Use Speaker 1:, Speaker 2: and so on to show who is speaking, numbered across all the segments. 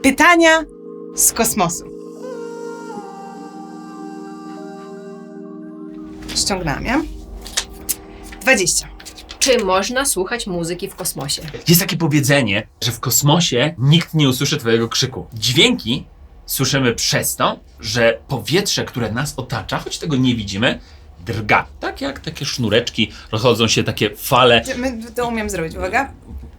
Speaker 1: Pytania z kosmosu. Ściągnęłam, ja? 20.
Speaker 2: Czy można słuchać muzyki w kosmosie?
Speaker 3: Jest takie powiedzenie, że w kosmosie nikt nie usłyszy twojego krzyku. Dźwięki słyszymy przez to, że powietrze, które nas otacza, choć tego nie widzimy, drga. Tak jak takie sznureczki, rozchodzą się takie fale.
Speaker 1: My to umiem zrobić, uwaga.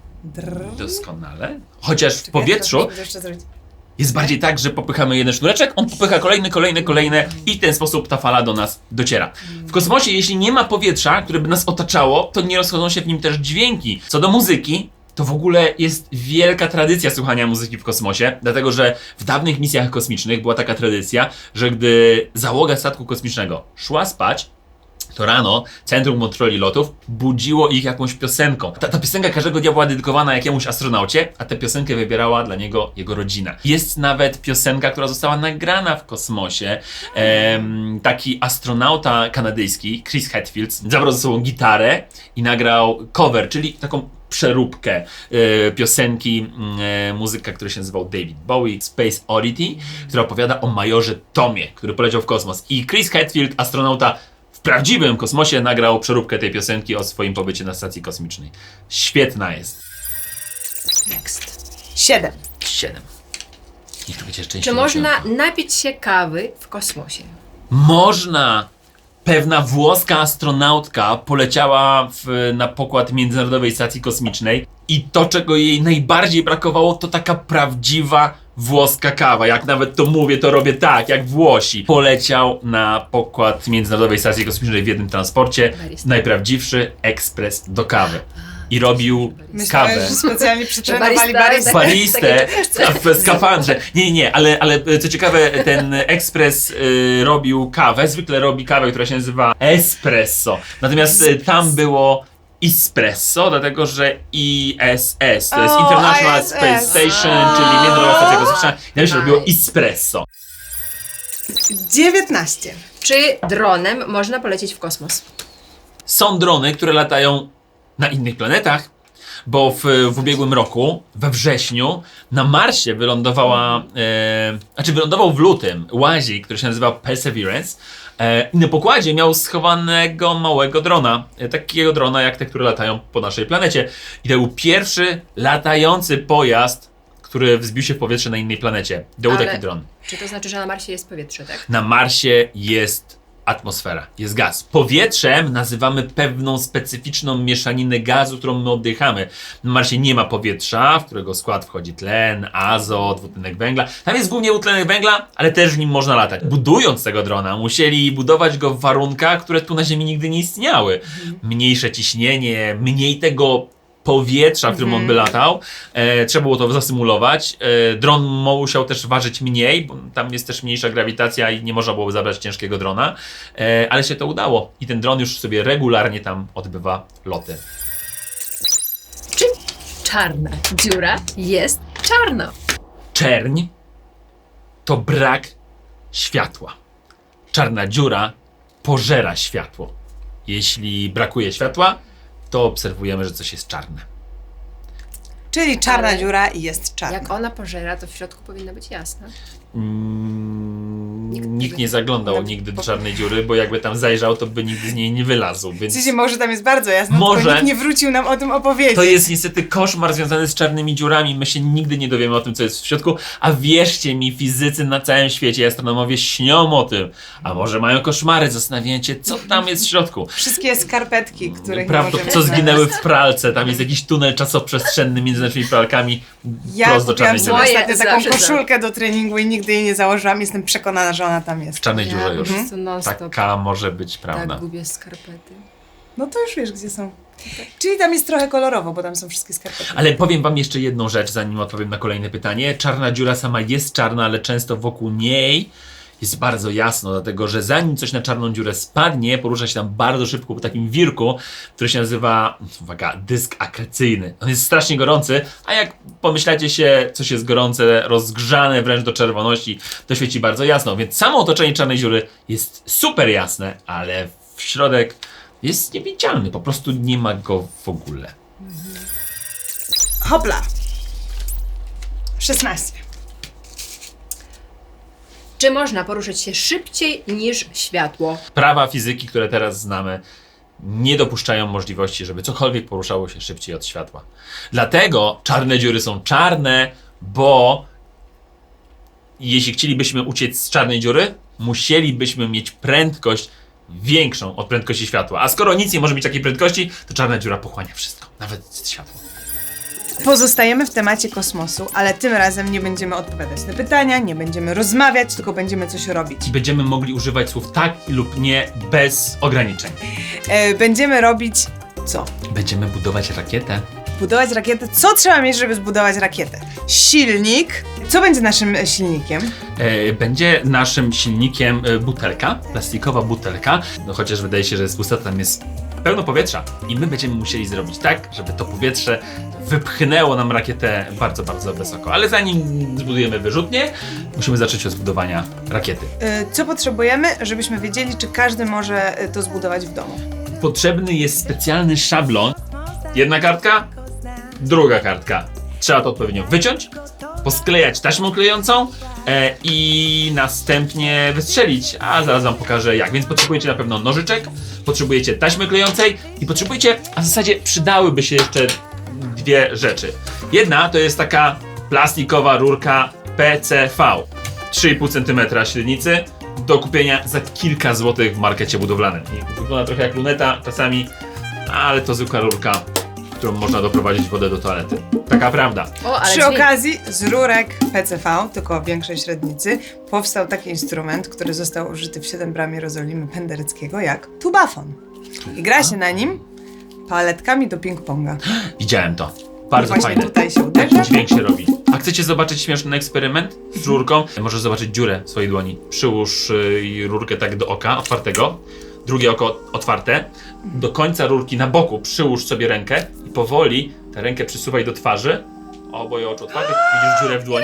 Speaker 3: Doskonale. Chociaż w
Speaker 1: Czekaj,
Speaker 3: powietrzu
Speaker 1: teraz muszę jeszcze zrobić.
Speaker 3: jest bardziej tak, że popychamy jeden sznureczek, on popycha kolejny i w ten sposób ta fala do nas dociera. W kosmosie, jeśli nie ma powietrza, które by nas otaczało, to nie rozchodzą się w nim też dźwięki. Co do muzyki, to w ogóle jest wielka tradycja słuchania muzyki w kosmosie, dlatego że w dawnych misjach kosmicznych była taka tradycja, że gdy załoga statku kosmicznego szła spać, to rano Centrum Kontroli Lotów budziło ich jakąś piosenką. Ta piosenka każdego dnia była dedykowana jakiemuś astronaucie, a tę piosenkę wybierała dla niego jego rodzina. Jest nawet piosenka, która została nagrana w kosmosie. Taki astronauta kanadyjski, Chris Hadfield, zabrał ze sobą gitarę i nagrał cover, czyli taką przeróbkę piosenki muzyka, który się nazywał David Bowie, Space Oddity, która opowiada o majorze Tomie, który poleciał w kosmos. I Chris Hadfield, astronauta w prawdziwym kosmosie, nagrał przeróbkę tej piosenki o swoim pobycie na stacji kosmicznej. Świetna jest.
Speaker 2: Next.
Speaker 1: 7.
Speaker 3: 7. Niech to będzie
Speaker 2: Czy
Speaker 3: szczęśliwe.
Speaker 2: można napić się kawy w kosmosie?
Speaker 3: Można! Pewna włoska astronautka poleciała na pokład Międzynarodowej Stacji Kosmicznej i to, czego jej najbardziej brakowało, to taka prawdziwa włoska kawa. Jak nawet to mówię, to robię tak, jak Włosi. Poleciał na pokład Międzynarodowej Stacji Kosmicznej w jednym transporcie,
Speaker 2: Barista.
Speaker 3: najprawdziwszy ekspres do kawy. I robił
Speaker 1: Myślałem,
Speaker 3: kawę.
Speaker 1: że specjalnie przytrenowali
Speaker 2: Barista,
Speaker 1: baristę.
Speaker 3: Baristę w skafandrze. Nie, ale co ciekawe, ten ekspres robił kawę, zwykle robi kawę, która się nazywa espresso. Natomiast tam było espresso, dlatego że ISS, to jest
Speaker 1: O,
Speaker 3: International
Speaker 1: ISS.
Speaker 3: Space Station, czyli Międzynarodowa Stacja Kosmiczna, i tam się robiło espresso.
Speaker 1: 19.
Speaker 2: Czy dronem można polecieć w kosmos?
Speaker 3: Są drony, które latają na innych planetach, bo w ubiegłym roku, we wrześniu, na Marsie wylądował w lutym łazik, który się nazywa Perseverance, i na pokładzie miał schowanego małego drona, takiego drona jak te, które latają po naszej planecie. I to był pierwszy latający pojazd, który wzbił się w powietrze na innej planecie. Był
Speaker 2: Ale-
Speaker 3: taki dron.
Speaker 2: Czy to znaczy, że na Marsie jest powietrze, tak?
Speaker 3: Na Marsie jest atmosfera, jest gaz. Powietrzem nazywamy pewną specyficzną mieszaninę gazu, którą my oddychamy. Na Marsie nie ma powietrza, w którego skład wchodzi tlen, azot, dwutlenek węgla. Tam jest głównie dwutlenek węgla, ale też w nim można latać. Budując tego drona, musieli budować go w warunkach, które tu na Ziemi nigdy nie istniały. Mniejsze ciśnienie, mniej tego powietrza, w którym on by latał. Trzeba było to zasymulować. Dron musiał też ważyć mniej, bo tam jest też mniejsza grawitacja i nie można było zabrać ciężkiego drona. Ale się to udało. I ten dron już sobie regularnie tam odbywa loty.
Speaker 2: Czy czarna dziura jest czarna?
Speaker 3: Czerń to brak światła. Czarna dziura pożera światło. Jeśli brakuje światła, to obserwujemy, że coś jest czarne.
Speaker 1: Czyli czarna
Speaker 2: Ale
Speaker 1: dziura i jest czarna.
Speaker 2: Jak ona pożera, to w środku powinna być jasna.
Speaker 3: Nikt nie zaglądał nigdy do czarnej dziury, bo jakby tam zajrzał, to by nigdy z niej nie wylazł, więc
Speaker 1: W sensie może tam jest bardzo jasno,
Speaker 3: Może.
Speaker 1: tylko nikt nie wrócił nam o tym opowiedzieć.
Speaker 3: to jest niestety koszmar związany z czarnymi dziurami. My się nigdy nie dowiemy o tym, co jest w środku, a wierzcie mi, fizycy na całym świecie, astronomowie śnią o tym, a może mają koszmary, zastanawiają się, co tam jest w środku.
Speaker 1: Wszystkie skarpetki, których nie
Speaker 3: Prawda,
Speaker 1: możemy
Speaker 3: co
Speaker 1: znaleźć.
Speaker 3: zginęły w pralce, tam jest jakiś tunel czasoprzestrzenny między naszymi pralkami,
Speaker 1: Ja
Speaker 3: prosto do
Speaker 1: kupiłam
Speaker 3: czarnej
Speaker 1: sobie
Speaker 3: dziury.
Speaker 2: Moje
Speaker 1: ostatnio taką
Speaker 2: zawsze
Speaker 1: koszulkę do treningu i nigdy jej nie założyłam. Jestem przekonana, że ona tam jest.
Speaker 3: W czarnej dziurze już.
Speaker 2: po prostu non-stop
Speaker 3: Taka może być prawda.
Speaker 2: tak gubię skarpety.
Speaker 1: No to już wiesz, gdzie są. Czyli tam jest trochę kolorowo, bo tam są wszystkie skarpetki.
Speaker 3: Ale powiem wam jeszcze jedną rzecz, zanim odpowiem na kolejne pytanie. Czarna dziura sama jest czarna, ale często wokół niej jest bardzo jasno, dlatego że zanim coś na czarną dziurę spadnie, porusza się tam bardzo szybko po takim wirku, który się nazywa, uwaga, dysk akrecyjny. On jest strasznie gorący, a jak pomyślacie się, coś jest gorące, rozgrzane wręcz do czerwoności, to świeci bardzo jasno. Więc samo otoczenie czarnej dziury jest super jasne, ale w środek jest niewidzialny, po prostu nie ma go w ogóle.
Speaker 1: Hopla. 16.
Speaker 2: Czy można poruszać się szybciej niż światło?
Speaker 3: Prawa fizyki, które teraz znamy, nie dopuszczają możliwości, żeby cokolwiek poruszało się szybciej od światła. Dlatego czarne dziury są czarne, bo jeśli chcielibyśmy uciec z czarnej dziury, musielibyśmy mieć prędkość większą od prędkości światła. A skoro nic nie może mieć takiej prędkości, to czarna dziura pochłania wszystko, nawet światło.
Speaker 1: Pozostajemy w temacie kosmosu, ale tym razem nie będziemy odpowiadać na pytania, nie będziemy rozmawiać, tylko będziemy coś robić.
Speaker 3: I będziemy mogli używać słów tak lub nie bez ograniczeń.
Speaker 1: Będziemy robić co?
Speaker 3: Będziemy budować rakietę.
Speaker 1: Budować rakietę. Co trzeba mieć, żeby zbudować rakietę? Silnik. Co będzie naszym silnikiem?
Speaker 3: Będzie naszym silnikiem butelka, plastikowa butelka, no chociaż wydaje się, że z pusta tam jest pełno powietrza i my będziemy musieli zrobić tak, żeby to powietrze wypchnęło nam rakietę bardzo, bardzo wysoko. Ale zanim zbudujemy wyrzutnię, musimy zacząć od zbudowania rakiety.
Speaker 1: Co potrzebujemy, żebyśmy wiedzieli, czy każdy może to zbudować w domu?
Speaker 3: Potrzebny jest specjalny szablon. Jedna kartka, druga kartka. Trzeba to odpowiednio wyciąć, posklejać taśmą klejącą i następnie wystrzelić, a zaraz wam pokażę jak. Więc potrzebujecie na pewno nożyczek, potrzebujecie taśmy klejącej i potrzebujecie, a w zasadzie przydałyby się jeszcze dwie rzeczy. Jedna to jest taka plastikowa rurka PCV, 3,5 cm średnicy, do kupienia za kilka złotych w markecie budowlanym. I wygląda trochę jak luneta czasami, ale to zwykła rurka, którą można doprowadzić wodę do toalety. Taka prawda.
Speaker 2: O, ale
Speaker 1: Przy
Speaker 2: dźwięk.
Speaker 1: okazji z rurek PCV, tylko większej średnicy, powstał taki instrument, który został użyty w 7 bram Jerozolimy Pendereckiego, jak tubafon. I gra się na nim paletkami do ping-ponga.
Speaker 3: Widziałem to. Bardzo
Speaker 1: Właśnie
Speaker 3: fajne.
Speaker 1: tutaj się
Speaker 3: Taki
Speaker 1: uderza.
Speaker 3: dźwięk się robi. A chcecie zobaczyć śmieszny eksperyment z rurką? Możesz zobaczyć dziurę w swojej dłoni. Przyłóż rurkę tak do oka otwartego, drugie oko otwarte. Do końca rurki na boku przyłóż sobie rękę i powoli tę rękę przysuwaj do twarzy. Oboje oczu otwarte. Widzisz dziurę w dłoni?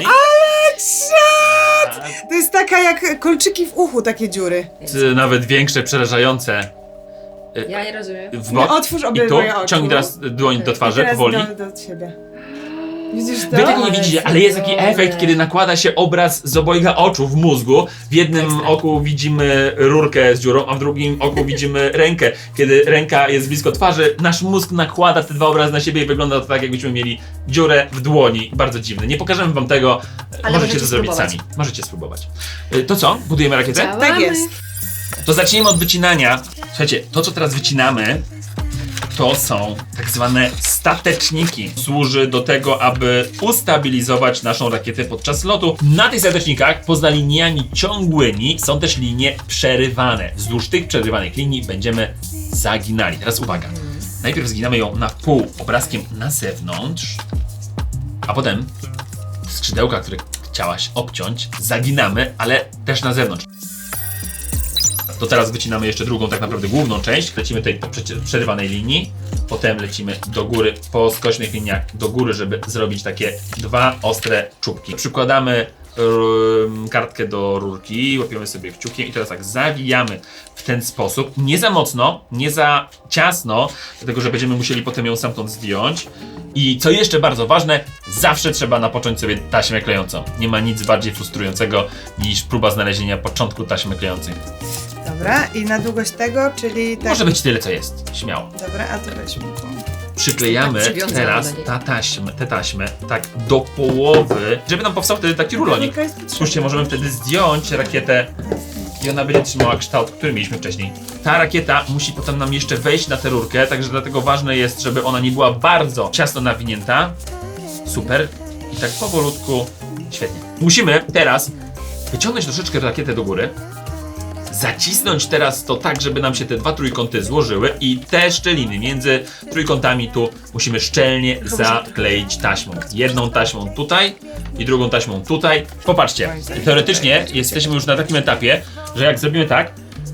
Speaker 1: To jest taka jak kolczyki w uchu, takie dziury.
Speaker 3: Nawet większe, przerażające.
Speaker 2: Ja nie rozumiem.
Speaker 3: W bok.
Speaker 1: Otwórz
Speaker 3: I tu
Speaker 1: obydwoje oczu.
Speaker 3: ciągnij teraz dłoń do
Speaker 1: I
Speaker 3: twarzy,
Speaker 1: teraz
Speaker 3: powoli.
Speaker 1: do siebie. Widzisz to?
Speaker 3: Wy tego nie widzicie, ale jest taki efekt, kiedy nakłada się obraz z obojga oczu w mózgu. W jednym oku widzimy rurkę z dziurą, a w drugim oku widzimy rękę. Kiedy ręka jest blisko twarzy, nasz mózg nakłada te dwa obrazy na siebie i wygląda to tak, jakbyśmy mieli dziurę w dłoni. Bardzo dziwne. Nie pokażemy wam tego,
Speaker 2: Ale
Speaker 3: możecie to
Speaker 2: możecie
Speaker 3: zrobić
Speaker 2: spróbować.
Speaker 3: sami. Możecie spróbować. To co? Budujemy rakietę?
Speaker 2: Działamy.
Speaker 1: Tak jest.
Speaker 3: To zacznijmy od wycinania. Słuchajcie, to co teraz wycinamy, to są tak zwane stateczniki. Służy do tego, aby ustabilizować naszą rakietę podczas lotu. Na tych statecznikach, poza liniami ciągłymi, są też linie przerywane. Wzdłuż tych przerywanych linii będziemy zaginali. Teraz uwaga. Najpierw zginamy ją na pół obrazkiem na zewnątrz, a potem skrzydełka, które chciałaś obciąć, zaginamy, ale też na zewnątrz. To teraz wycinamy jeszcze drugą, tak naprawdę główną część. Lecimy tutaj po przerywanej linii, potem lecimy do góry po skośnych liniach do góry, żeby zrobić takie dwa ostre czubki. Przykładamy kartkę do rurki, łapiemy sobie kciukiem i teraz tak zawijamy w ten sposób. Nie za mocno, nie za ciasno, dlatego że będziemy musieli potem ją stamtąd zdjąć. I co jeszcze bardzo ważne, zawsze trzeba napocząć sobie taśmę klejącą. Nie ma nic bardziej frustrującego niż próba znalezienia początku taśmy klejącej.
Speaker 1: Dobra, i na długość tego, czyli tak.
Speaker 3: Może być tyle, co jest. Śmiało.
Speaker 1: Dobra, a to weźmy tu.
Speaker 3: Przyklejamy
Speaker 2: Tak przywiązana
Speaker 3: teraz
Speaker 2: do niej.
Speaker 3: tę taśmę tak do połowy, żeby nam powstał wtedy taki rulonik.
Speaker 1: Rurka jest potrzebna.
Speaker 3: Spójrzcie, możemy wtedy zdjąć rakietę i ona będzie trzymała kształt, który mieliśmy wcześniej. Ta rakieta musi potem nam jeszcze wejść na tę rurkę, także dlatego ważne jest, żeby ona nie była bardzo ciasno nawinięta. Super. I tak powolutku. Świetnie. Musimy teraz wyciągnąć troszeczkę rakietę do góry. Zacisnąć teraz to tak, żeby nam się te dwa trójkąty złożyły i te szczeliny między trójkątami tu musimy szczelnie zakleić taśmą. Jedną taśmą tutaj i drugą taśmą tutaj. Popatrzcie, teoretycznie jesteśmy już na takim etapie, że jak zrobimy tak,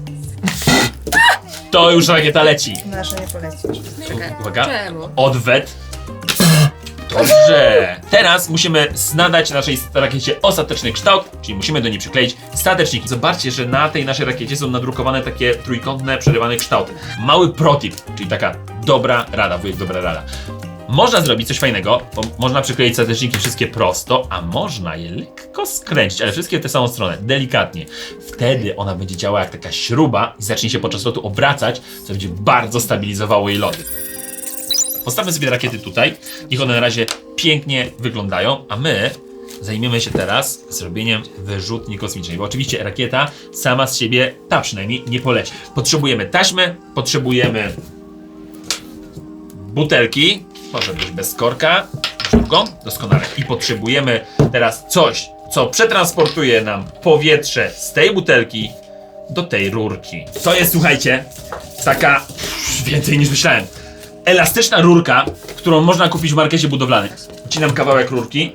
Speaker 3: to już rakieta leci.
Speaker 1: Nasza nie polecisz.
Speaker 2: Czekaj,
Speaker 3: Uwaga.
Speaker 2: czemu?
Speaker 3: Odwet. Dobrze. Teraz musimy nadać naszej rakiecie ostateczny kształt, czyli musimy do niej przykleić stateczniki. Zobaczcie, że na tej naszej rakiecie są nadrukowane takie trójkątne, przerywane kształty. Mały protip, czyli taka dobra rada, wujek dobra rada. Można zrobić coś fajnego, bo można przykleić sateczniki wszystkie prosto, a można je lekko skręcić, ale wszystkie w tę samą stronę, delikatnie. Wtedy ona będzie działała jak taka śruba i zacznie się podczas lotu obracać, co będzie bardzo stabilizowało jej lot. Postawmy sobie rakiety tutaj, niech one na razie pięknie wyglądają, a my zajmiemy się teraz zrobieniem wyrzutni kosmicznej, bo oczywiście rakieta sama z siebie, ta przynajmniej, nie poleci. Potrzebujemy taśmy, potrzebujemy butelki, może być bez korka, szybko, doskonale. I potrzebujemy teraz coś, co przetransportuje nam powietrze z tej butelki do tej rurki. To jest, słuchajcie, taka więcej niż myślałem. Elastyczna rurka, którą można kupić w markecie budowlanym. Wcinam kawałek rurki.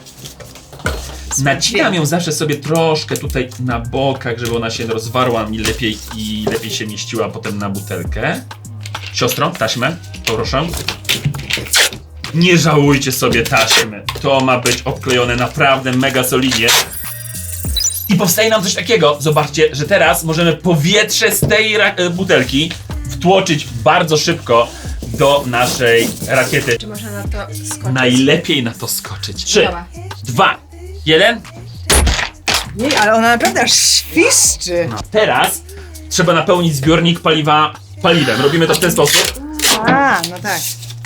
Speaker 3: Nacinam ją zawsze sobie troszkę tutaj na bokach, żeby ona się rozwarła mi lepiej i lepiej się mieściła potem na butelkę. Siostro, taśmę, proszę. Nie żałujcie sobie taśmy. To ma być obklejone naprawdę mega solidnie. I powstaje nam coś takiego. Zobaczcie, że teraz możemy powietrze z tej butelki wtłoczyć bardzo szybko do naszej rakiety.
Speaker 2: Czy można na to skoczyć?
Speaker 3: Najlepiej na to skoczyć. 3,
Speaker 2: Dobra.
Speaker 3: 2, 1.
Speaker 1: Jej, ale ona naprawdę aż świszczy.
Speaker 3: Teraz trzeba napełnić zbiornik paliwa paliwem. Robimy to w ten sposób.
Speaker 1: A, no tak.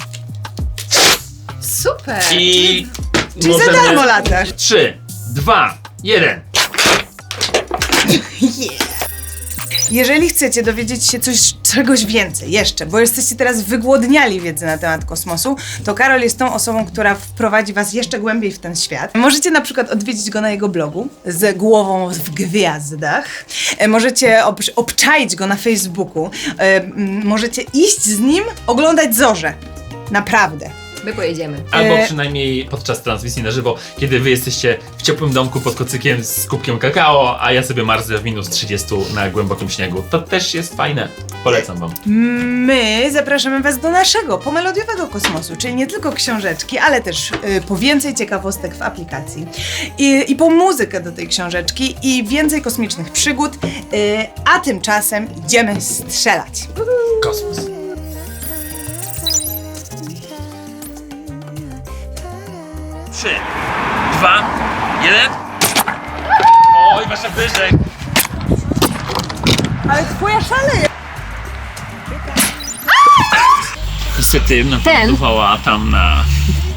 Speaker 2: Super!
Speaker 3: I
Speaker 1: Czyli za darmo latasz.
Speaker 3: 3, 2, 1.
Speaker 1: Jeżeli chcecie dowiedzieć się czegoś więcej jeszcze, bo jesteście teraz wygłodniali wiedzy na temat kosmosu, to Karol jest tą osobą, która wprowadzi was jeszcze głębiej w ten świat. Możecie na przykład odwiedzić go na jego blogu z głową w gwiazdach. Możecie obczaić go na Facebooku. Możecie iść z nim oglądać zorze. Naprawdę.
Speaker 2: My pojedziemy.
Speaker 3: Albo przynajmniej podczas transmisji na żywo, kiedy wy jesteście w ciepłym domku pod kocykiem z kubkiem kakao, a ja sobie marzę w minus 30 na głębokim śniegu. To też jest fajne. Polecam wam.
Speaker 1: My zapraszamy was do naszego pomelodiowego kosmosu, czyli nie tylko książeczki, ale też po więcej ciekawostek w aplikacji i po muzykę do tej książeczki i więcej kosmicznych przygód, a tymczasem idziemy strzelać.
Speaker 3: Kosmos. 3, 2, 1. Oj, wasza wyżek.
Speaker 1: Ale twoja szaleje!
Speaker 3: Niestety nawędrowała tam na